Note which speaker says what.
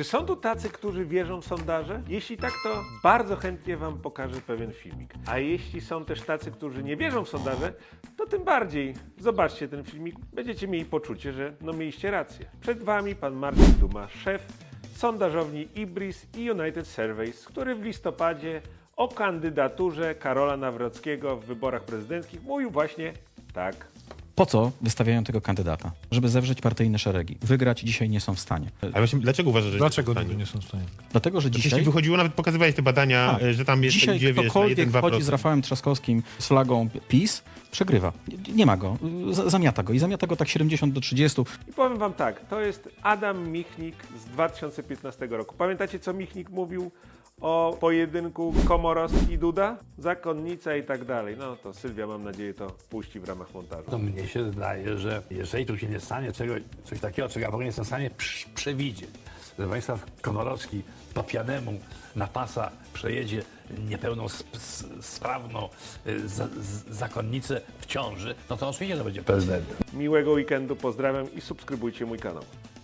Speaker 1: Czy są tu tacy, którzy wierzą w sondaże? Jeśli tak, to bardzo chętnie Wam pokażę pewien filmik. A jeśli są też tacy, którzy nie wierzą w sondaże, to tym bardziej zobaczcie ten filmik. Będziecie mieli poczucie, że mieliście rację. Przed Wami pan Marcin Duma, szef sondażowni Ibris i United Surveys, który w listopadzie o kandydaturze Karola Nawrockiego w wyborach prezydenckich mówił właśnie tak.
Speaker 2: Po co wystawiają tego kandydata? Żeby zewrzeć partyjne szeregi. Wygrać dzisiaj nie są w stanie.
Speaker 3: Ale właśnie dlaczego uważasz, że
Speaker 4: Dlaczego
Speaker 3: nie są w stanie?
Speaker 4: nie są w stanie?
Speaker 2: Dlatego, że
Speaker 3: Jeśli
Speaker 2: dzisiaj...
Speaker 3: wychodziło, nawet pokazywałeś te badania, że tam jest
Speaker 2: Dzisiaj
Speaker 3: gdzie wiesz,
Speaker 2: ktokolwiek
Speaker 3: 1-2%.
Speaker 2: wchodzi z Rafałem Trzaskowskim z flagą PiS, przegrywa. Nie ma go. Zamiata go. I zamiata go tak 70-30.
Speaker 1: I powiem Wam tak, to jest Adam Michnik z 2015 roku. Pamiętacie, co Michnik mówił o pojedynku Komorowski-Duda? Zakonnica i tak dalej. No to Sylwia, mam nadzieję, to puści w ramach montażu.
Speaker 5: To mnie się zdaje, że jeżeli tu się nie stanie coś takiego, czego ja w ogóle nie jestem w stanie przewidzieć, że Władysław Komorowski po pijanemu na pasa przejedzie niepełnosprawną zakonnicę w ciąży, no to oczywiście, że będzie prezydentem.
Speaker 1: Miłego weekendu, pozdrawiam i subskrybujcie mój kanał.